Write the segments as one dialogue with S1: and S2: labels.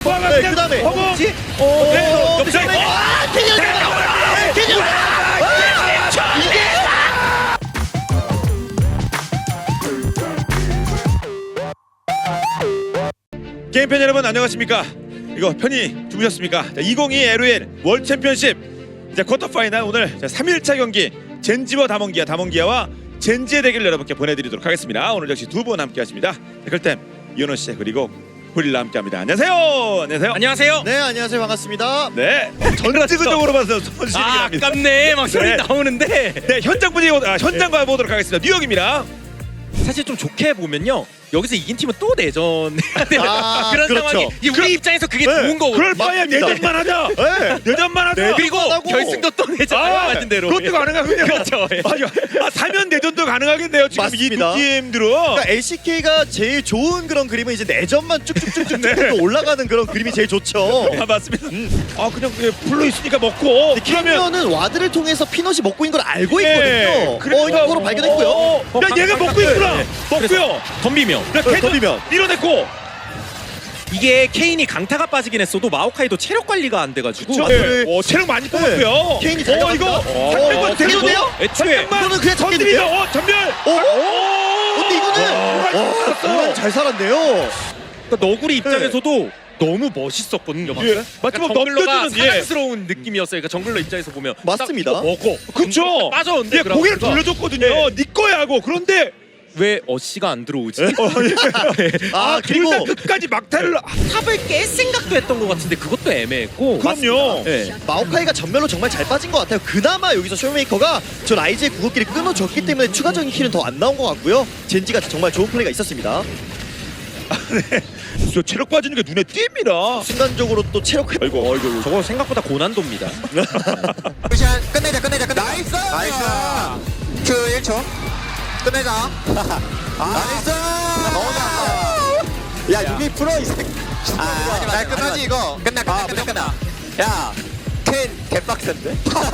S1: 네, 그다음에
S2: 허벅지.
S1: 네,
S2: 옆에.
S3: 게임팬 여러분 안녕하십니까? 이거 편히 주무셨습니까? 2022 LOL 월드 챔피언십 이제 쿼터 파이널 오늘 3일차 경기 젠지와 다몽기아와 젠지의 대결 여러분께 보내드리도록 하겠습니다. 오늘 역시 두 분 함께하십니다. 댓글템 이현호 씨 그리고 고릴라 함께합니다. 안녕하세요. 안녕하세요.
S2: 안녕하세요.
S1: 네, 안녕하세요. 반갑습니다.
S3: 네. 전체적으로 봐서 손실이 납니다.
S2: 아깝네. 막 소리
S3: 네.
S2: 나오는데.
S3: 네, 현장 분위기 현장과 보도록 하겠습니다. 뉴욕입니다.
S2: 사실 좀 좋게 보면요. 여기서 이긴 팀은 또 내전해야 돼요.
S1: 아,
S2: 그런
S1: 그렇죠.
S2: 상황이 우리 입장에서 그게 좋은 거거든요.
S3: 그럴 바에야
S1: 맞습니다.
S3: 내전만 하자.
S1: 네.
S3: 내전만 하자.
S1: 네.
S2: 그리고
S1: 하고.
S2: 결승도 또 내전 하신 대로.
S3: 그것도 가능하군요.
S2: 그렇죠. 예.
S3: 사면 내전도 가능하겠네요. 지금
S1: 맞습니다.
S3: 이 두 팀들은.
S1: 그러니까 LCK가 제일 좋은 그런 그림은 이제 내전만 쭉쭉쭉쭉 올라가는 그런 그림이 제일 좋죠.
S3: 아 맞습니다. 아 그냥 풀로 있으니까 먹고. 그러면
S1: 캐리어는 와드를 통해서 피넛이 먹고 있는 걸 알고
S3: 네.
S1: 있거든요.
S3: 그러니까
S1: 이거로 발견했고요.
S3: 야 얘가 먹고 있구나. 먹고요.
S2: 덤비며.
S3: 야 걔도
S1: 덤비면.
S3: 밀어냈고.
S2: 이게 케인이 강타가 빠지긴 했어도 마오카이도 체력 관리가 안 돼가지고
S1: 맞아요.
S3: 체력 많이 뽑았고요.
S1: 케인이 잘
S3: 이거
S1: 나갑니다.
S3: 한명만
S1: 돼도 돼요?
S2: 애초에
S1: 이거는 그냥
S3: 전들이죠.
S1: 잡겠는데요?
S3: 전멸.
S1: 근데 이거는 정말 잘 살았네요.
S2: 그러니까 너구리 입장에서도 너무 멋있었거든요. 방금.
S3: 예. 마치 뭐
S2: 정글러가
S3: 넘겨주는, 예.
S2: 사랑스러운 느낌이었어요. 그러니까 정글러 입장에서 보면
S1: 맞습니다.
S2: 딱 이거 먹어.
S3: 그쵸.
S2: 빠졌는데
S3: 예, 고개를 돌려줬거든요. 네 거야 하고. 그런데
S2: 왜 어시가 안 들어오지?
S1: 그리고
S3: 그리고 끝까지 막타를
S2: 탑을 깰 생각도 했던 것 같은데 그것도 애매했고.
S3: 그럼요.
S2: 네.
S1: 마오카이가 전멸로 정말 잘 빠진 것 같아요. 그나마 여기서 쇼메이커가 저 라이즈의 궁극기를 끊어줬기 때문에 추가적인 킬은 더 안 나온 것 같고요. 젠지가 정말 좋은 플레이가 있었습니다.
S3: 저 체력 빠지는 게 눈에 띕니다.
S1: 순간적으로 또 체력 회복.
S3: 아이고.
S2: 저거 생각보다 고난도입니다.
S4: 굿샷 끝내자 나이스 그 1초 끝내자 나이스 야 유미 프로 이 새끼 나 끝나지 이거 끝나 야캔 개빡센데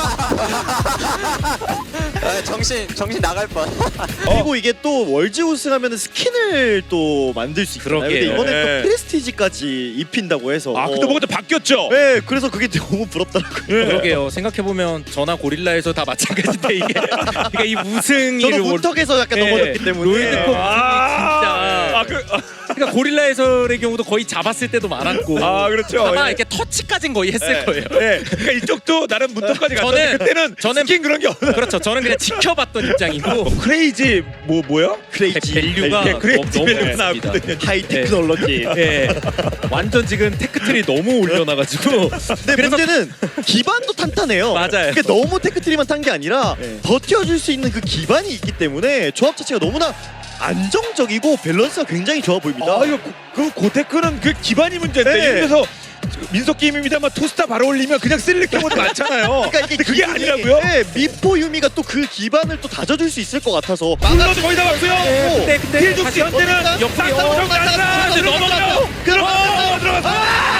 S4: 정신 나갈 뻔
S1: 그리고 이게 또 월즈 우승하면 스킨을 또 만들 수 있잖아요. 근데
S2: 그러게요.
S1: 이번에
S3: 네.
S1: 또 프레스티지까지 입힌다고 해서.
S3: 아 근데 뭐가 좀 바뀌었죠.
S1: 네, 그래서 그게 너무 부럽더라고요.
S2: 그러게요. 생각해보면 저나 고릴라에서를 다 마찬가지인데 이게 그러니까 이 우승이
S1: 저도 문턱에서 약간 넘어졌기 때문에.
S2: 롤드컵
S3: 아,
S2: 진짜. 그러니까 고릴라 해설의 경우도 거의 잡았을 때도 많았고.
S3: 그렇죠.
S2: 아마
S3: 예.
S2: 이렇게 터치까지는 거의 했을 거예요.
S3: 네. 그러니까 이쪽도 나름 문턱까지 갔는데 그때는 스킨 그런 게 없나.
S2: 그렇죠. 저는 그냥 지켜봤던 입장이고.
S3: 크레이지 뭐야?
S1: 크레이지.
S2: 밸류가
S3: 크레이지
S2: 너무
S3: 밸류가
S2: 높습니다.
S3: 나왔거든요.
S1: 하이 테크놀로지.
S2: 예, 완전 지금 테크트리 너무 올려놔가지고.
S1: 근데 문제는 기반도 탄탄해요.
S2: 맞아요.
S1: 그게 너무 테크트리만 탄 게 아니라
S2: 네.
S1: 버텨줄 수 있는 그 기반이 있기 때문에 조합 자체가 너무나 안정적이고 밸런스가 굉장히 좋아 보입니다.
S3: 이거 그 고테크는 그 기반이 문제인데
S1: 네.
S3: 그래서 민석 게임입니다만 투스타 바로 올리면 그냥 쓸릴 경우도 많잖아요.
S1: 그러니까 이게
S3: 근데 그게
S1: 기분이-
S3: 아니라고요?
S1: 네, 미포 유미가 또 그 기반을 또 다져줄 수 있을 것 같아서
S3: 물러도 거의 다 왔고요.
S2: 근데
S3: 힐죽시
S2: 다시
S3: 현재는
S2: 옆구리
S3: 쌍쌍으로 간다. 넘어가요. 들어갔어.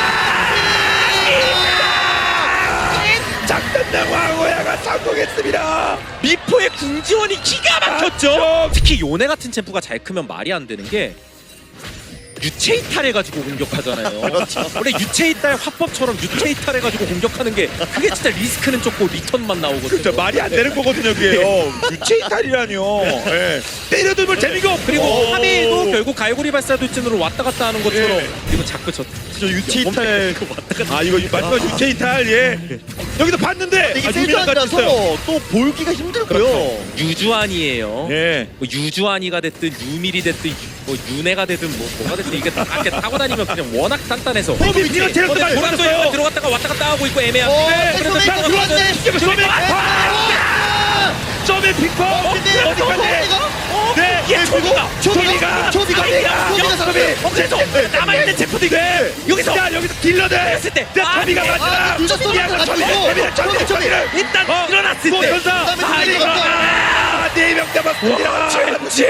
S3: 작전당 왕호야가 성공했습니다.
S2: 미포의 궁지원이 기가 막혔죠. 특히 요네 같은 챔프가 잘 크면 말이 안 되는 게 유체 이탈해가지고 공격하잖아요. 원래 유체 이탈 화법처럼 유체 이탈해가지고 공격하는 게 그게 진짜 리스크는 적고 리턴만 나오거든요.
S3: 진짜 말이 안 되는 거거든요, 그게요. 유체 이탈이라뇨. 예. 때려도 뭐 재미가 없고.
S2: 그리고 하메도 결국 갈고리 발사 돌진으로 왔다 갔다 하는 것처럼.
S3: 예.
S2: 그리고 자꾸 저
S1: 유치 이탈
S2: 왔다 갔다.
S3: 이거 마지막 유체 이탈 예. 여기도 봤는데
S1: 이게
S3: 유미랑 같이 있어요.
S1: 필드라서 또 볼기가 힘들고요.
S2: 유주안이에요.
S3: 예.
S2: 뭐 유주안이가 됐든 유밀이 됐든 뭐 윤회가 되든 뭐가 됐든 이게 다 이렇게 타고 다니면 그냥 워낙 단단해서
S3: 미니언 체력도 많이
S2: 보람도
S3: 올렸어요.
S2: 들어갔다가 왔다 갔다 하고 있고 애매한데
S1: 그래서
S2: 그래서
S1: 들어왔네.
S3: 점에 빅퍼 어디까지? 네,
S2: 이게 초비가
S1: 초비가
S2: 그래서 남아있는 제프도 이거 여기서
S3: 자 여기서 딜러들
S2: 했을 때
S3: 점이가 맞잖아.
S1: 늦었어.
S3: 점이를
S2: 일단 일어났을 때
S3: 전사
S1: 이거
S3: 네명 잡았습니다.
S2: 젠지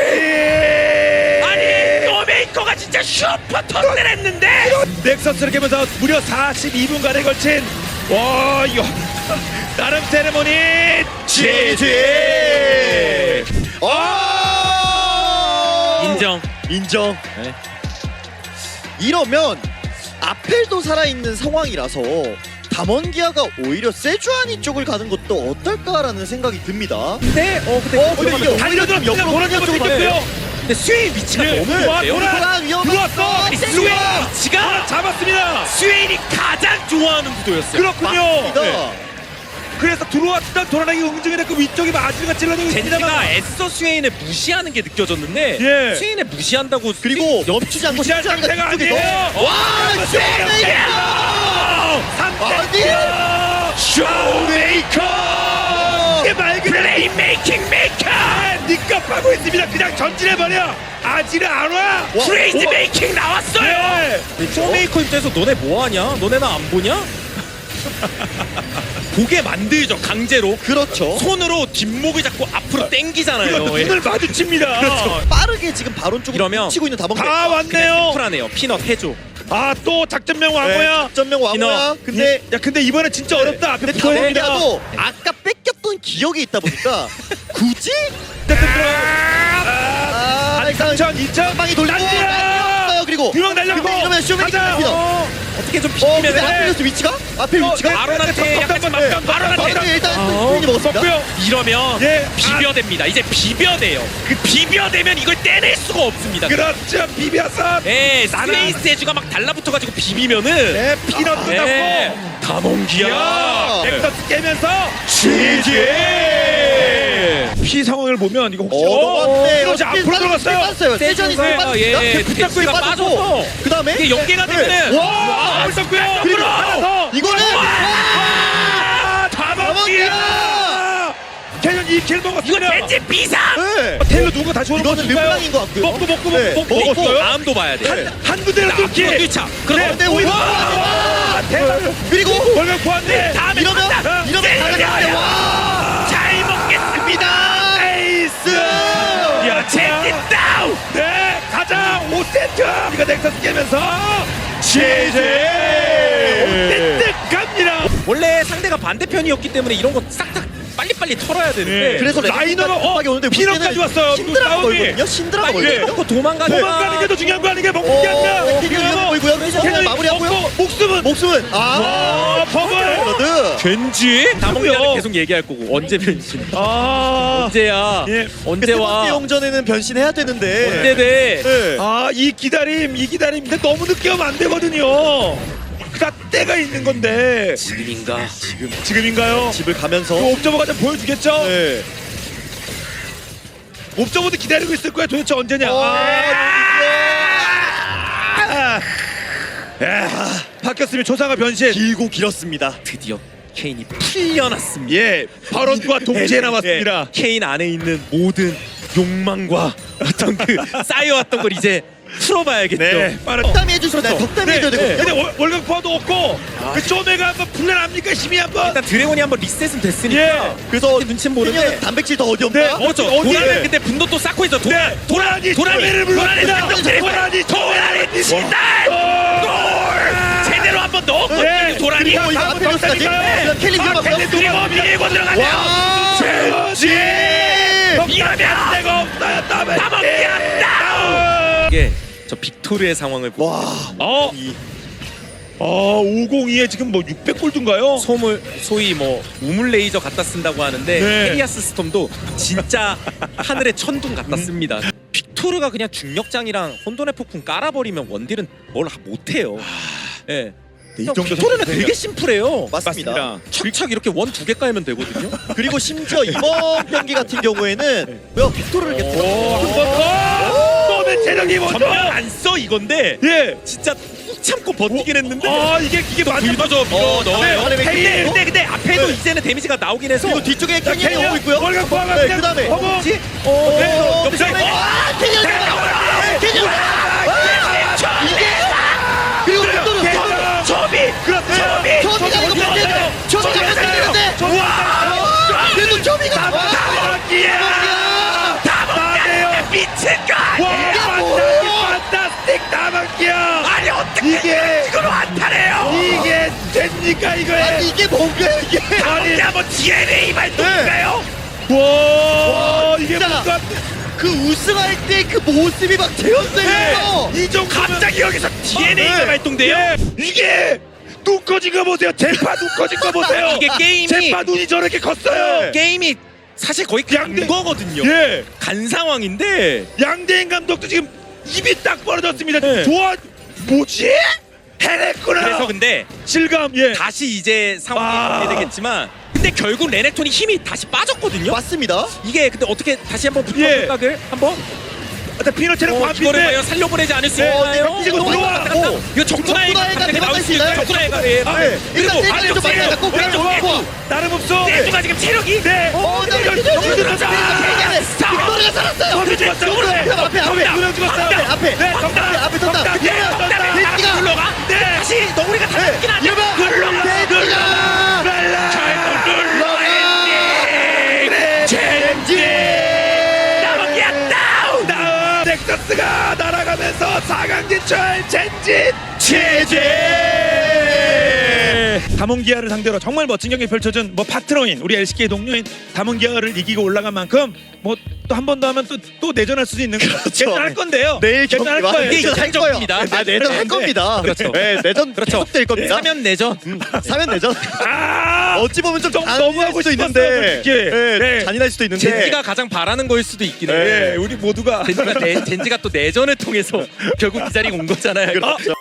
S2: 아니 노메이커가 진짜 슈퍼 턴을 했는데
S3: 넥서스를 깨면서 무려 42분간에 걸친 와 이거 나름 세레모니 GG.
S2: 인정
S1: 인정.
S2: 네.
S1: 이러면 아펠도 살아있는 상황이라서 담원기아가 오히려 세주아니 쪽을 가는 것도 어떨까라는 생각이 듭니다.
S2: 근데
S1: 근데 이게 오히려 좀 옆으로
S3: 돌아가고
S1: 쪽으로
S3: 있고요.
S2: 근데 스웨인 위치가
S3: 예,
S2: 너무
S3: 와,
S2: 좋은데요.
S3: 돌아!
S1: 위험했어.
S2: 스웨인 위치가
S3: 잡았습니다.
S2: 스웨인이 가장 좋아하는 구도였어요.
S3: 그렇군요.
S1: 네.
S3: 그래서 들어왔던 돌아다니기 응징이 됐고 위쪽이 마주가 찔러내고
S2: 젠지가
S3: 있습니다만
S2: 애써 스웨인을 무시하는 게 느껴졌는데
S3: 예.
S2: 스웨인을 무시한다고
S1: 그리고 멈추지 않고
S3: 무시할
S1: 쉽지 않은
S3: 상태가
S1: 뒤쪽에서
S3: 아니에요.
S1: 와
S3: 쇼메이커! 이게 맑은 플레이메이킹 메이커! 니값 하고 있습니다. 그냥 전진해버려! 아지는 안 와!
S2: 트레이드 메이킹 나왔어요. 쇼메이커 입장에서 너네 뭐하냐? 너네 나 안 보냐? 보게 만들죠 강제로.
S1: 그렇죠.
S2: 손으로 뒷목을 잡고 앞으로 당기잖아요.
S3: 눈을 마주칩니다.
S1: 그렇죠. 빠르게 지금 바론 쪽으로
S2: 이러면
S1: 치고 있는 다mon기아.
S3: 다 왔네요.
S2: 쿨하네요. 피넛 해줘.
S3: 아 또 작전명 왕호야.
S1: 전명 왕호야. 근데
S3: 근데 이번에 진짜 어렵다. 앞에
S1: 근데
S3: 붙어야 됩니다.
S1: 다몬기아도 아까 뺏겼던 기억이 있다 보니까 굳이 일단
S3: 3천, 2천,
S1: 방이 돌리고 날렸어요. 그리고
S3: 유명 날렸고
S1: 근데 이러면 쇼메이커
S3: 가자.
S1: 됩니다.
S2: 어떻게 좀
S1: 근데
S2: 비비면
S1: 아펠리스 위치가? 아펠 위치가?
S2: 바론한테 약간 좀 바론한테
S1: 일단
S2: 어,
S1: 스크린이 먹었습니다.
S3: 먹고요.
S2: 이러면
S3: 예.
S2: 비벼댑니다. 이제 비벼대요. 그 비벼대면 이걸 떼낼 수가 없습니다.
S3: 그렇죠. 비벼서.
S2: 예, 스페이스 에주가 막 달라붙어가지고 비비면은
S3: 네, 피넛도
S2: 예,
S3: 잡고.
S2: 다몬기아.
S3: 넥서스 깨면서 GG. 피 상황을 보면 이거 혹시
S1: 넘어갔네요.
S3: 이거 앞으로 들어갔어요.
S1: 빠졌어요. 세전이
S2: 세전이
S1: 빠졌습니다.
S2: 예,
S1: 붙잡고
S2: 대치가
S1: 빠졌고
S2: 빠져서
S1: 그 다음에
S2: 이게 연계가 되면은
S3: 와, 올렸고요.
S1: 그리고
S3: 하나 더.
S1: 이거는
S3: 다mon기아. 캐년 2킬
S2: 이거
S3: 먹었습니다.
S2: 젠지 비상.
S1: 네.
S3: 테일러 누가 다시 오는
S1: 이거는 르블랑인 것 같고요.
S3: 먹고
S1: 네.
S3: 먹었어요.
S2: 다음도 봐야 돼.
S3: 한 군데로
S2: 앞으로
S3: 뚫기.
S2: 뒤차. 그럼
S1: 근데 오히려
S3: 대박.
S1: 그리고
S3: 월급 구한데.
S2: 다음에
S1: 이러면
S2: 간다.
S1: 나가는데 와
S2: 잘 먹겠습니다.
S3: 에이스. 야,
S2: 젠지 다운.
S3: 네, 가자. 5세트. 우리가 넥서스 깨면서 GG. 5세트 갑니다.
S2: 원래 상대가 반대편이었기 때문에 이런 거 싹싹 빨리빨리 털어야 되는데
S3: 네.
S1: 그래서
S3: 라이너가
S1: 급하게 오는데
S3: 피넛까지 왔어요.
S1: 신드라가
S3: 싸움이.
S1: 걸거든요. 신드라가
S3: 빨리.
S1: 걸거든요.
S2: 먹고 도망가는
S3: 도망가는 게 더 중요한 거 아니게 먹는 게 아니라.
S1: 이거 보이고요. 그래서 마무리하고요.
S3: 목숨은 버블.
S1: 블러드.
S2: 젠지 다몽기아는
S3: 누구요?
S2: 계속 얘기할 거고 언제 변신?
S3: 아,
S2: 언제야?
S3: 예.
S2: 언제
S1: 세
S2: 와?
S1: 번째 영전에는 변신해야 되는데.
S2: 언제 돼?
S1: 네.
S3: 이 기다림. 근데 너무 늦게 하면 안 되거든요. 그다 때가 있는 건데.
S2: 지금인가?
S3: 지금인가요?
S1: 집을 가면서.
S3: 그 옵저버가 좀 보여주겠죠?
S1: 네.
S3: 옵저버도 기다리고 있을 거야. 도대체 언제냐? 바뀌었으면 조상아 변신.
S1: 길고 길었습니다.
S2: 드디어 케인이 풀려났습니다.
S3: 예, 발언과 동시에 나왔습니다.
S2: 예, 케인 안에 있는 모든 욕망과 어떤 그 쌓여왔던 걸 이제 풀어봐야겠죠.
S3: 네, 빠른.
S1: 덕담이 해주셨나요?
S3: 그렇죠.
S1: 덕담이 해줘야 되거든요.
S3: 근데 월급 포화도 없고 그 쪼매가 한번 풀려납니까? 힘이 한번.
S2: 일단 드래곤이 한번 리셋은 됐으니까
S3: 예.
S1: 그래서
S2: 눈치는 보는데
S1: 케냐는 단백질 더 어디 없나?
S3: 네.
S2: 그렇죠.
S3: 어디-
S2: 도란은 근데 분도 또 쌓고 있어.
S3: 네, 도라니
S2: 도라니를
S3: 불렀습니다.
S2: 도라니 신달 제대로 한번 넣었거든요.
S3: 네.
S2: 도라니.
S1: 그리고 이거 아펠리스까지. 그다음 켈리 들어가고요.
S2: 드래곤 밀고 들어가네요.
S1: 와.
S3: 지
S2: 이러면
S3: 내가 없어요.
S2: 다 먹겠다. 이게 저 빅토르의 상황을 보고
S1: 와.
S2: 이
S3: 502에 지금 뭐 600골드인가요?
S2: 소위 뭐 우물 레이저 갖다 쓴다고 하는데
S3: 네.
S2: 헤리아스 스톰도 진짜 하늘의 천둥 갖다 씁니다. 빅토르가 그냥 중력장이랑 혼돈의 폭풍 깔아버리면 원딜은 뭘 못해요. 예.
S3: 이 정도
S2: 빅토르는
S3: 선수들이요.
S2: 되게 심플해요.
S1: 맞습니다.
S2: 착착 이렇게 원 2개 깔면 되거든요.
S1: 그리고 심지어 이번 경기 같은 경우에는 왜 빅토르를 이렇게
S3: 한번 더. 너의 체력이 먼저.
S2: 전면 안 써 이건데
S3: 예.
S2: 진짜 꾹 참고 버티긴 했는데
S3: 이게 맞죠?
S2: 불도저 밀어 넣어요.
S1: 네,
S2: 근데 앞에도
S1: 네.
S2: 이제는 데미지가 나오긴 해서
S1: 그리고 뒤쪽에 캐년이 오고 있고요.
S3: 월급 포화가
S1: 네,
S3: 그냥
S1: 그다음에
S3: 허공.
S2: 뭐지?
S1: 옆에 캐년. 캐년. 그리고 빅토르.
S3: 그렇죠.
S1: 초비가 이거 뺏기는데. 초비가 뺏기는데. 그래도 초비가.
S2: 미친 거 아니야?
S3: 판타스틱 다방기야.
S2: 아니 어떻게
S3: 이게
S2: 이걸 안타래요?
S3: 이게 됩니까 이거에?
S1: 아니 이게 뭔가요 이게?
S3: 아니
S2: 뭐 DNA 발동인가요?
S3: 와 이게
S1: 진짜.
S3: 뭔가
S1: 그 우승할 때 그 모습이 막 재현되면서
S3: 이 정도
S2: 갑자기 여기서 DNA가
S3: 네.
S2: 발동돼요?
S3: 이게 눈 꺼진 거 보세요. 제파 눈 꺼진 거 보세요.
S2: 이게 게임이
S3: 제파 눈이 저렇게 컸어요.
S2: 게임이 사실 거의 간
S3: 양대-
S2: 거거든요.
S3: 예.
S2: 간 상황인데
S3: 양대인 감독도 지금 입이 딱 벌어졌습니다.
S2: 네.
S3: 좋아, 뭐지? 해냈구나.
S2: 그래서 근데
S3: 실감. 예.
S2: 다시 이제 상황이
S3: 아.
S2: 어떻게 되겠지만 근데 결국 레넥톤이 힘이 다시 빠졌거든요.
S1: 맞습니다.
S2: 이게 근데 어떻게 다시 한번 붙어
S3: 예.
S2: 생각을 한번
S3: 일단 피너체는
S2: 이거를
S3: 반피인데.
S2: 과연 살려보내지 않을 수
S3: 네,
S2: 있나요?
S3: 이거 들어와.
S2: 오, 이거 적군아이가
S1: 적군아이가
S2: 갑자기 나올 수
S1: 대박날
S2: 있나요?
S1: 수 있나요?
S2: 적군아이가 예.
S3: 아,
S1: 네. 일단
S3: 그리고
S1: 땡기를 좀 많이
S3: 안쪽
S1: 잡고
S3: 세요.
S1: 그냥
S3: 좋아.
S1: 좋고.
S3: 나름 없어.
S2: 내주가 지금 체력이
S3: 네.
S1: 나
S3: 이걸
S1: 이거
S3: 너무 들었다.
S1: 빅토리가 살았어요.
S3: 거기 죽었어.
S1: 앞에
S3: 두명 죽었어.
S1: 앞에
S3: 네, 정답.
S1: 앞에 떴다.
S3: 정답. 예, 정답.
S1: 돼지가
S2: 눌러가
S3: 네.
S2: 다시 너구리가 다 잡긴 하죠.
S1: 이러면 돼지가
S3: 다음 넥서스가 날아가면서 4강 진출 젠지 체제. 담원기아를 상대로 정말 멋진 경기 펼쳐준 뭐 파트너인 우리 LCK 동료인 담원기아를 이기고 올라간 만큼 뭐 또 한 번 더 하면 또 내전할 수도 있는 거. 할 건데요.
S1: 내일
S3: 내전할
S1: 경기
S3: 거예요.
S2: 이게
S1: 내전 할
S2: 이상적입니다.
S1: 거예요. 내전 할 겁니다.
S2: 그렇죠.
S1: 네, 내전
S2: 그렇죠.
S1: 계속될 겁니다.
S2: 사면 내전.
S1: 사면 내전.
S3: 아!
S1: 어찌 보면 좀
S3: 너무
S1: 잔인할
S3: 하고
S1: 수도
S3: 싶었어요,
S1: 있는데,
S3: 솔직히.
S1: 네,
S3: 네.
S1: 잔인할 수도 있는데.
S2: 젠지가 가장 바라는 거일 수도 있긴
S1: 네.
S2: 해요.
S3: 예, 우리 모두가
S2: 젠지가 또 내전을 통해서 결국 이 자리에 온 거잖아요.
S1: 그렇죠.